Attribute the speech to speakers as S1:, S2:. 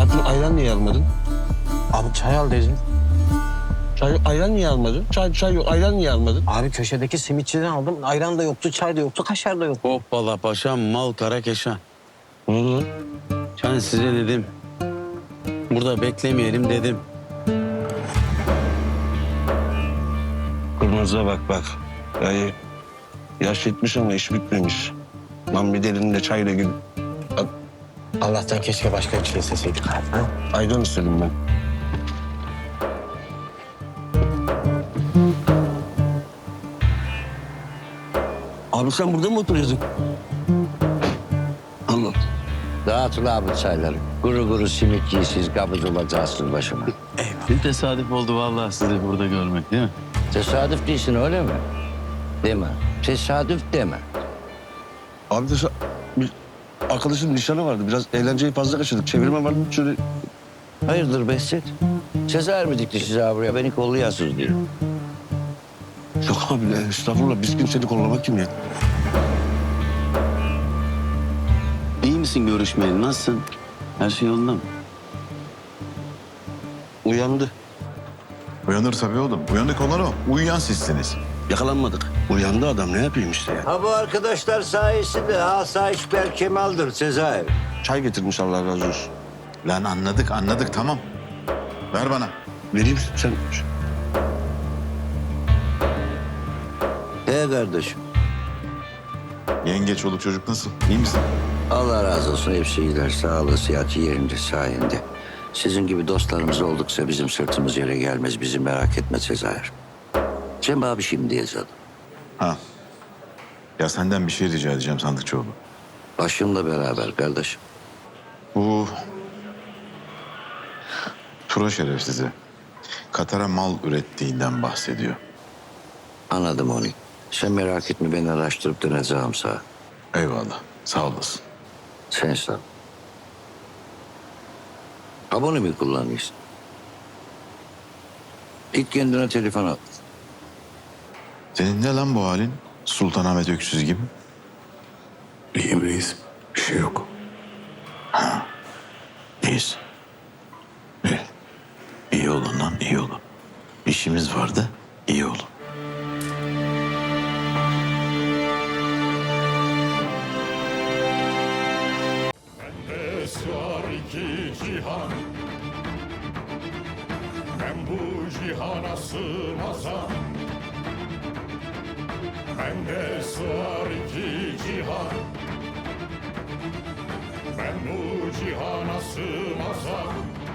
S1: Hayatım ayran niye almadın?
S2: Abi çay al dedin.
S1: Ayran niye almadın? Çay yok, ayran niye almadın?
S2: Abi köşedeki simitçiden aldım. Ayran da yoktu, çay da yoktu, kaşar da yoktu.
S3: Hoppala paşam, mal kara keşan.
S1: Ne oldu lan?
S3: Ben size dedim. Burada beklemeyelim dedim.
S1: Kırmızıya bak. Yani yaş yetmiş ama iş bitmemiş. Lan bir de elinde çayla gül.
S2: Allah'tan keşke başka bir şey isteseydik. Ha?
S1: Ayran istedim ben. Abi sen burada mı oturuyordun? Allah.
S4: Dağıtın abi çayları. Guru guru simit yiysiz, kabız olacaksınız başıma.
S3: Bir tesadüf oldu vallahi sizi burada görmek değil mi?
S4: Tesadüf değilsin öyle mi? Deme. Tesadüf deme.
S1: Abi de bir arkadaşın nişanı vardı. Biraz eğlenceyi fazla kaçırdık. Çevirme var mı? Şöyle
S4: Hayırdır Behzat? Cezayir mi dikti size buraya? Beni kollayasınız diyor.
S1: yok abi estağfurullah. Biz kimseni kollamak kim ya?
S3: İyi misin görüşmeyeli? Nasılsın? Her şey yolunda mı?
S1: Uyandı.
S5: Uyanır tabii oğlum. Uyanık olan o. Uyuyan sizsiniz.
S1: Yakalanmadık. Uyandı adam ne yapayım işte ya.
S4: Ha bu arkadaşlar sayesinde asayiş Berkemal'dır Cezayir.
S1: Çay getirmiş Allah razı olsun.
S5: Lan anladık tamam. Ver bana.
S1: Vereyim sen.
S4: Kardeşim.
S5: Yenge, çoluk çocuk nasıl? İyi misin?
S4: Allah razı olsun hepsi iyiler. Sağlığı, sıhhati yerinde sayende. Sizin gibi dostlarımız oldukça bizim sırtımız yere gelmez. Bizi merak etme Cezayir. Cem abi şimdi diyeceğim.
S5: Ha. Ya senden bir şey rica edeceğim Sandıkçıoğlu.
S4: Başımla beraber kardeşim.
S5: Bu Tura şerefsizi Katar'a mal ürettiğinden bahsediyor.
S4: Anladım onu. Sen merak etme ben araştırıp döneceğim sana.
S5: Eyvallah. Sağ olasın.
S4: Sen sağ ol. Abone mi kullanıyorsun? Git kendine telefon al.
S5: Senin ne lan bu halin? Sultanahmet Öksüz gibi.
S6: İyiyim reis. Bir şey yok.
S5: İyiyiz. İyi. İyi olun lan, iyi olun. İşimiz vardı, iyi olun.
S7: Bende sığar iki cihan, ben bu cihana sığmazam. Bende sığar iki cihan, ben bu cihana sığmazam.